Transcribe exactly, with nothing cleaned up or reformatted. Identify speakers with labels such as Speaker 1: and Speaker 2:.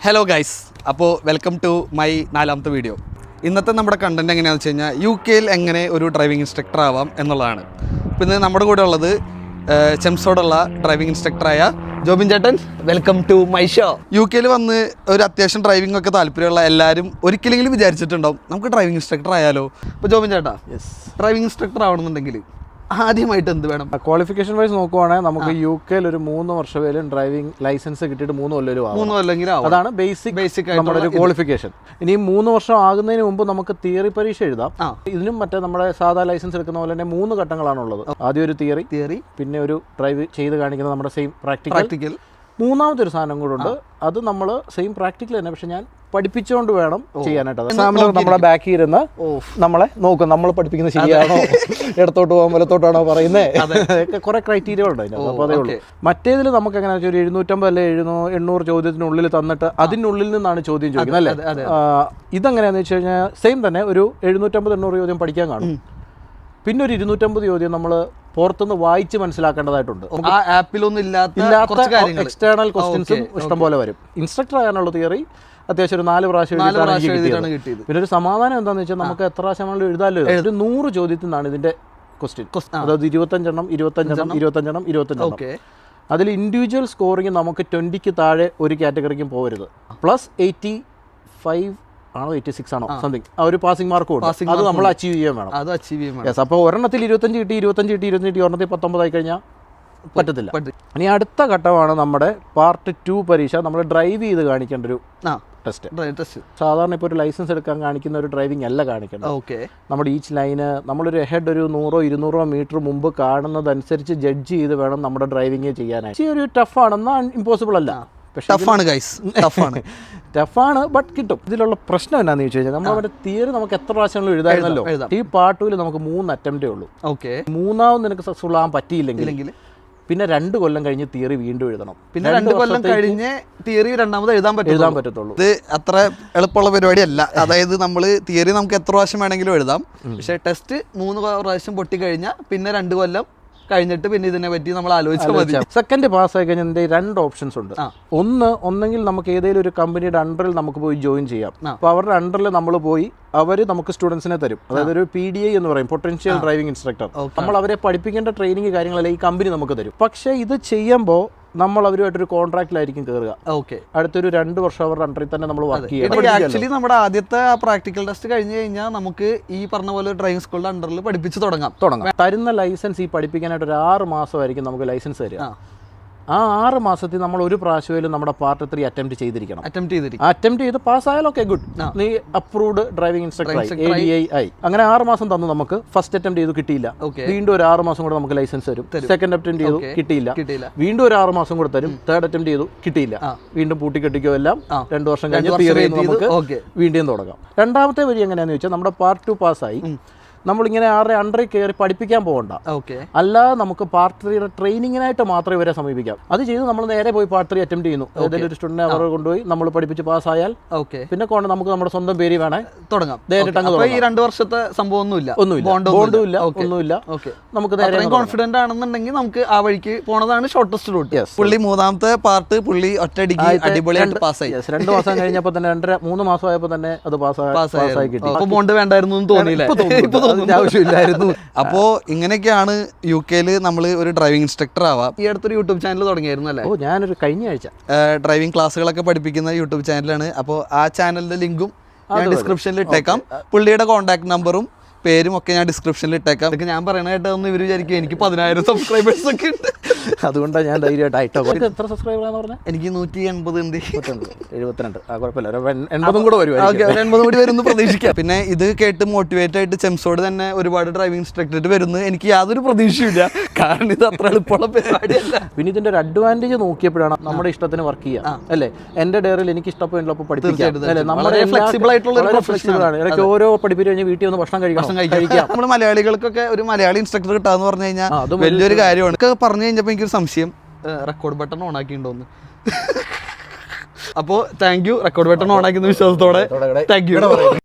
Speaker 1: Hello guys, അപ്പോൾ welcome to my നാലാമത്തെ video. ഇന്നത്തെ നമ്മുടെ കണ്ടൻറ്റ് എങ്ങനെയാണെന്ന് വെച്ച് കഴിഞ്ഞാൽ യു കെയിൽ എങ്ങനെ ഒരു ഡ്രൈവിംഗ് ഇൻസ്ട്രക്ടർ ആവാം എന്നുള്ളതാണ്. അപ്പോൾ ഇന്ന് നമ്മുടെ കൂടെ ഉള്ളത് ചെംസോടുള്ള ഡ്രൈവിംഗ് ഇൻസ്ട്രക്ടറായ ജോബിൻ ചേട്ടൻ. Welcome to my show. U കെയിൽ വന്ന് ഒരു അത്യാവശ്യം ഡ്രൈവിംഗ് ഒക്കെ താല്പര്യമുള്ള എല്ലാവരും ഒരിക്കലെങ്കിലും വിചാരിച്ചിട്ടുണ്ടാവും നമുക്ക് ഡ്രൈവിംഗ് ഇൻസ്ട്രക്ടർ ആയാലോ. അപ്പോൾ ജോബിൻ ചേട്ടാ, യെസ്, ഡ്രൈവിംഗ് ഇൻസ്ട്രക്ടർ ആവണമെന്നുണ്ടെങ്കിൽ ആദ്യമായിട്ട് എന്ത് വേണം?
Speaker 2: ക്വാളിഫിക്കേഷൻ വൈസ് നോക്കുവാണെങ്കിൽ നമുക്ക് യു കെയിൽ ഒരു മൂന്ന് വർഷമേലും ഡ്രൈവിംഗ് ലൈസൻസ് കിട്ടിയിട്ട് മൂന്ന് കൊല്ലം
Speaker 1: മൂന്ന് കൊല്ലെങ്കിലും
Speaker 2: അതാണ് ബേസിക് ബേസിക് നമ്മുടെ ഒരു ക്വാളിഫിക്കേഷൻ. ഇനി മൂന്ന് വർഷം ആകുന്നതിന് മുമ്പ് നമുക്ക് തിയറി പരീക്ഷ എഴുതാം. ഇതിനും മറ്റേ നമ്മുടെ സാധാ ലൈസൻസ് എടുക്കുന്ന പോലെ തന്നെ മൂന്ന് ഘട്ടങ്ങളാണുള്ളത്. ആദ്യം ഒരു തിയറി തിയറി പിന്നെ ഒരു ഡ്രൈവ് ചെയ്ത് കാണിക്കുന്ന നമ്മുടെ സെയിം പ്രാക്ടിക്കൽ പ്രാക്ടിക്കൽ മൂന്നാമത്തെ ഒരു സാധനം കൂടെ ഉണ്ട്. അത് നമ്മൾ സെയിം പ്രാക്ടിക്കൽ തന്നെ, പക്ഷെ ഞാൻ പഠിപ്പിച്ചുകൊണ്ട് വേണം ചെയ്യാനായിട്ട്. എക്സാമിനർ നമ്മളെ ബാക്കി ഇരുന്ന് നമ്മളെ നോക്കും, നമ്മൾ പഠിപ്പിക്കുന്നത് ശരിയാണോ, ഇടത്തോട്ട് പോകാൻ വലത്തോട്ടാണോ പറയുന്നത്, കുറെ ക്രൈറ്റീരിയ ഉണ്ട് അതിനകത്ത്. അപ്പോൾ അതേ ഉള്ളൂ. മറ്റേതിൽ നമുക്ക് എങ്ങനെയാ വെച്ചാൽ ഒരു എഴുന്നൂറ്റമ്പത് അല്ലെ എഴുന്നൂ എണ്ണൂറ് ചോദ്യത്തിനുള്ളിൽ തന്നിട്ട് അതിനുള്ളിൽ നിന്നാണ് ചോദ്യം ചോദിക്കുന്നത് അല്ലേ. ഇതെങ്ങനെയാണെന്ന് വെച്ച് കഴിഞ്ഞാൽ സെയിം തന്നെ ഒരു എഴുന്നൂറ്റമ്പത് എണ്ണൂറ് ചോദ്യം പഠിക്കാൻ കാണും. പിന്നെ ഒരു ഇരുന്നൂറ്റമ്പത് ചോദ്യം നമ്മൾ പുറത്തുനിന്ന് വായിച്ച് മനസ്സിലാക്കേണ്ടതായിട്ടുണ്ട്.
Speaker 1: ആ ആപ്പിലൊന്നും ഇല്ലാത്ത
Speaker 2: എക്സ്റ്റേണൽ ക്വസ്റ്റ്യൻസും ഇഷ്ടം പോലെ വരും. ഇൻസ്ട്രക്ടർ ആകാനുള്ള തിയറി അത്യാവശ്യം ഒരു നാല് പ്രാവശ്യം എഴുതിയിട്ടാണ് കിട്ടിയത്. പിന്നെ ഒരു സമാധാനം എന്താണെന്ന് വെച്ചാൽ നമുക്ക് എത്ര പ്രാവശ്യം നമ്മൾ എഴുതാമല്ലോ. ഒരു നൂറ് ചോദ്യത്തിൽ നിന്നാണ് ഇതിന്റെ ക്വസ്റ്റ്യൻ. അതായത് ഇരുപത്തഞ്ചെണ്ണം ഇരുപത്തഞ്ചെണ്ണം ഇരുപത്തഞ്ചെണ്ണം ഇരുപത്തഞ്ചെണ്ണം അതിൽ ഇൻഡിവിജ്വൽ സ്കോറിങ് നമുക്ക് ട്വന്റിക്ക് താഴെ ഒരു കാറ്റഗറിക്കും പോകരുത്. പ്ലസ് എയ്റ്റി ഫൈവ് ആണോ എയ്റ്റി സിക്സ് ആണോ സംതിങ് ആ ഒരു പാസിംഗ് മാർക്ക് കൊടുക്കും. അത് നമ്മൾ അച്ചീവ് ചെയ്യാൻ വേണം. അത് അച്ചീവ് ചെയ്യാൻ യെസ്. അപ്പോൾ ഒരെണ്ണത്തിൽ ഇരുപത്തഞ്ച് കിട്ടി ഇരുപത്തഞ്ച് കിട്ടി ഇരുപത്തഞ്ച് കിട്ടി ഒരെണ്ണത്തിൽ പത്തൊമ്പതായി കഴിഞ്ഞാൽ പറ്റത്തില്ല. ഇനി അടുത്ത ഘട്ടമാണ് നമ്മുടെ പാർട്ട് ടു പരീക്ഷ. നമ്മൾ ഡ്രൈവ് ചെയ്ത് കാണിക്കേണ്ട ഒരു ടെസ്റ്റ്. സാധാരണ ഇപ്പോൾ ഒരു ലൈസൻസ് എടുക്കാൻ കാണിക്കുന്ന ഒരു ഡ്രൈവിംഗ് അല്ല കാണിക്കുന്നത്. ഓക്കെ, നമ്മുടെ ഈച്ച് ലൈന് നമ്മളൊരു ഹെഡ് ഒരു നൂറോ ഇരുന്നൂറോ മീറ്റർ മുമ്പ് കാണുന്നതനുസരിച്ച് ജഡ്ജ് ചെയ്ത് വേണം നമ്മുടെ ഡ്രൈവിംഗ് ചെയ്യാനായിട്ട്. ഈ ഒരു ടഫാണെന്നാൽ ഇമ്പോസിബിൾ അല്ല,
Speaker 1: ടഫാണ് ഗൈസ്, ടഫാണ്
Speaker 2: ടഫാണ് ബട്ട് കിട്ടും. ഇതിലുള്ള പ്രശ്നം എന്നാന്ന് ചോദിച്ചു കഴിഞ്ഞാൽ നമ്മുടെ തിയറി നമുക്ക് എത്ര പ്രാവശ്യങ്ങളും എഴുതായിരുന്നല്ലോ. ഈ പാർട്ട് ടൂവിൽ നമുക്ക് മൂന്ന് അറ്റംപ്റ്റേ ഉള്ളൂ. ഓക്കെ, മൂന്നാമത് നിനക്ക് സക്സസ്ഫുൾ ആകാൻ പറ്റിയില്ലെങ്കിൽ പിന്നെ രണ്ട് കൊല്ലം കഴിഞ്ഞ് തിയറി വീണ്ടും എഴുതണം. പിന്നെ രണ്ട് കൊല്ലം കഴിഞ്ഞ്
Speaker 1: തിയറി രണ്ടാമത് എഴുതാൻ പറ്റും
Speaker 2: എഴുതാൻ പറ്റത്തുള്ളൂ.
Speaker 1: ഇത് അത്ര എളുപ്പമുള്ള പരിപാടിയല്ല. അതായത് നമ്മൾ തിയറി നമുക്ക് എത്ര പ്രാവശ്യം വേണമെങ്കിലും എഴുതാം, പക്ഷേ ടെസ്റ്റ് മൂന്ന് പ്രാവശ്യം പൊട്ടി കഴിഞ്ഞാൽ പിന്നെ രണ്ട് കൊല്ലം കഴിഞ്ഞിട്ട് പിന്നെ ഇതിനെ പറ്റി നമ്മൾ ആലോചിച്ചാൽ മതി.
Speaker 2: സെക്കൻഡ് പാസ് ആയി കഴിഞ്ഞാൽ രണ്ട് ഓപ്ഷൻസ് ഉണ്ട്. ഒന്ന് ഒന്നെങ്കിൽ നമുക്ക് ഏതെങ്കിലും ഒരു കമ്പനിയുടെ അണ്ടറിൽ നമുക്ക് പോയി ജോയിൻ ചെയ്യാം. അപ്പോൾ അവരുടെ അണ്ടറിൽ നമ്മൾ പോയി അവർ നമുക്ക് സ്റ്റുഡൻസിനെ തരും. അതായത് ഒരു പി ഡി ഐ എന്ന് പറയും, പൊട്ടൻഷ്യൽ ഡ്രൈവിംഗ് ഇൻസ്ട്രക്ടർ. നമ്മൾ അവരെ പഠിപ്പിക്കേണ്ട ട്രെയിനിങ് കാര്യങ്ങളെല്ലാം ഈ കമ്പനി നമുക്ക് തരും. പക്ഷേ ഇത് ചെയ്യുമ്പോൾ നമ്മൾ അവരുമായിട്ടൊരു കോൺട്രാക്റ്റിലായിരിക്കും കയറുക. ഓക്കെ, അടുത്തൊരു രണ്ട് വർഷം അവരുടെ അണ്ടറിൽ തന്നെ നമ്മൾ വർക്ക് ചെയ്യണം.
Speaker 1: ആക്ച്വലി നമ്മുടെ ആദ്യത്തെ പ്രാക്ടിക്കൽ ടെസ്റ്റ് കഴിഞ്ഞ് കഴിഞ്ഞാൽ നമുക്ക് ഈ പറഞ്ഞ പോലെ ഡ്രൈവിംഗ് സ്കൂളിന്റെ അണ്ടറിൽ പഠിപ്പിച്ച് തുടങ്ങാം
Speaker 2: തുടങ്ങാം തരുന്ന ലൈസൻസ് ഈ പഠിപ്പിക്കാനായിട്ട് ഒരു ആറ് മാസമായിരിക്കും നമുക്ക് ലൈസൻസ് തരിക. ആ ആറ് മാസത്തിൽ നമ്മൾ ഒരു പ്രാവശ്യമായാലും നമ്മുടെ പാർട്ട് ത്രീ അറ്റംപ്റ്റ് ചെയ്തിരിക്കണം. അറ്റംപ്റ്റ് ചെയ്തിരിക്കും അറ്റംപ്റ്റ് ചെയ്ത് പാസ്സായാലും ഓക്കെ, ഗുഡ്, നീ approved driving instructor A D I ആയി. അങ്ങനെ ആറ് മാസം തന്നു നമുക്ക്. ഫസ്റ്റ് അറ്റംപ്റ്റ് ചെയ്തു കിട്ടിയില്ല, വീണ്ടും ഒരു ആറ് മാസം കൂടെ നമുക്ക് ലൈസൻസ് തരും. സെക്കൻഡ് അറ്റംപ്റ്റ് ചെയ്തു കിട്ടിയില്ല, വീണ്ടും ഒരു ആറ് മാസം കൂടെ തരും. തേർഡ് അറ്റംപ്റ്റ് ചെയ്തു കിട്ടിയില്ല, വീണ്ടും പൂട്ടിക്കെട്ടിക്കോ എല്ലാം രണ്ടു വർഷം കഴിഞ്ഞ് തിയറി നമുക്ക് വീണ്ടും തുടങ്ങാം. രണ്ടാമത്തെ വഴി എങ്ങനെയാണെന്ന് വെച്ചാൽ നമ്മുടെ പാർട്ട് ടു പാസ്സായി നമ്മളിങ്ങനെ ആരുടെ അണ്ടറിൽ കയറി പഠിപ്പിക്കാൻ പോകണ്ട. ഓക്കെ, അല്ലാതെ നമുക്ക് പാർട്ട് ത്രീയുടെ ട്രെയിനിങ്ങിനായിട്ട് മാത്രമേ ഇവരെ സമീപിക്കാം. അത് ചെയ്ത് നമ്മൾ നേരെ പോയി പാർട്ട് ത്രീ അറ്റംപ്റ്റ് ചെയ്യുന്നു. ഏതെങ്കിലും ഒരു സ്റ്റുഡന്റിനെ അവരെ കൊണ്ടുപോയി നമ്മൾ പഠിപ്പിച്ച് പാസ്സായാൽ ഓക്കെ, പിന്നെ കൊണ്ട് നമുക്ക് നമ്മുടെ സ്വന്തം പേര് വേണേ തുടങ്ങാം.
Speaker 1: ഈ രണ്ട് വർഷത്തെ സംഭവം ഒന്നുമില്ല,
Speaker 2: ഒന്നുമില്ല, ബോണ്ടും ഇല്ല, ഒന്നുമില്ല. നമുക്ക് നേരെ
Speaker 1: കോൺഫിഡന്റ് ആണെന്നുണ്ടെങ്കിൽ നമുക്ക് ആ വഴിക്ക് പോണതാണ് ഷോർട്ടസ്റ്റ് റൂട്ട്. പുള്ളി മൂന്നാമത്തെ പാർട്ട് പുള്ളി ഒറ്റയടിക്ക് അടിപൊളിയായിട്ട് പാസ്സായി.
Speaker 2: രണ്ട് മാസം കഴിഞ്ഞപ്പോൾ തന്നെ രണ്ടര മൂന്ന് മാസം ആയപ്പോൾ തന്നെ അത് പാസ്സായി കിട്ടി.
Speaker 1: അപ്പൊ ബോണ്ട് വേണ്ടായിരുന്നു എന്ന് തോന്നിയില്ല, ആവശ്യമില്ലായിരുന്നു. അപ്പോ ഇങ്ങനെയൊക്കെയാണ് യു കെയിൽ നമ്മൾ ഒരു ഡ്രൈവിംഗ് ഇൻസ്ട്രക്ടർ ആവാം. ഈ അടുത്തൊരു യൂട്യൂബ് ചാനൽ തുടങ്ങിയായിരുന്നു അല്ലേ?
Speaker 2: ഓ, ഞാനൊരു കഴിഞ്ഞ ആഴ്ച
Speaker 1: ഡ്രൈവിംഗ് ക്ലാസ്സുകളൊക്കെ പഠിപ്പിക്കുന്ന യൂട്യൂബ് ചാനലാണ്. അപ്പോൾ ആ ചാനലിന്റെ ലിങ്കും ഞാൻ ഡിസ്ക്രിപ്ഷനിൽ ഇട്ടേക്കാം. പുള്ളിയുടെ കോൺടാക്ട് നമ്പറും പേരും ഒക്കെ ഞാൻ ഡിസ്ക്രിപ്ഷനിൽ ഇട്ടേക്കാം. അതൊക്കെ ഞാൻ പറയണായിട്ടൊന്നും ഇവർ വിചാരിക്കും എനിക്ക് പതിനായിരം സബ്സ്ക്രൈബേഴ്സ് ഒക്കെ ഉണ്ട്.
Speaker 2: അതുകൊണ്ടാണ് ഞാൻ ധൈര്യമായിട്ട് ആയിട്ടോ. എത്ര സബ്സ്ക്രൈബറാന്ന് പറഞ്ഞാൽ?
Speaker 1: എനിക്ക് നൂറ്റി എൺപത് ഉണ്ട്.
Speaker 2: എഴുപത്തിരണ്ട് ആ കുഴപ്പമില്ല, എൺപതും കൂടെ വരും.
Speaker 1: എൺപതും കൂടി വരുന്നു പ്രതീക്ഷിക്കാം. പിന്നെ ഇത് കേട്ട് മോട്ടിവേറ്റ് ആയിട്ട് ചെംസോട് തന്നെ ഒരുപാട് ഡ്രൈവിംഗ് ഇൻസ്ട്രക്ടറേറ്റ് വരുന്നു എനിക്ക് യാതൊരു പ്രതീക്ഷയില്ല. കാരണം ഇത് അത്ര എളുപ്പമുള്ള പരിപാടിയല്ല.
Speaker 2: പിന്നെ ഇതിന്റെ ഒരു അഡ്വാൻറ്റേജ് നോക്കിയപ്പോഴാണ് നമ്മുടെ ഇഷ്ടത്തിന് വർക്ക് ചെയ്യാം അല്ലേ. എന്റെ ഡയറിയിൽ എനിക്ക് ഇഷ്ടപ്പെടുമ്പോൾ പഠിപ്പിക്കാം. നമ്മുടെ
Speaker 1: ഫ്ലെക്സിബിൾ ആയിട്ടുള്ള
Speaker 2: ഫ്ലെക്സിബിളാണ്. ഇടയ്ക്ക് ഓരോ പഠിപ്പിച്ച് കഴിഞ്ഞ് വീട്ടിൽ ഒന്ന് ഭക്ഷണം കഴിക്കണം.
Speaker 1: നമ്മൾ മലയാളികൾക്കൊക്കെ ഒരു മലയാളി ഇൻസ്ട്രക്ടർ കിട്ടാന്ന് പറഞ്ഞു കഴിഞ്ഞാൽ വലിയൊരു കാര്യമാണ്. പറഞ്ഞു കഴിഞ്ഞപ്പോൾ എനിക്കൊരു സംശയം, റെക്കോർഡ് ബട്ടൺ ഓൺ ആക്കിയിട്ടുണ്ടോന്ന്. അപ്പോൾ thank you, record button on ആക്കുന്ന വിശ്വാസത്തോടെ താങ്ക് യു.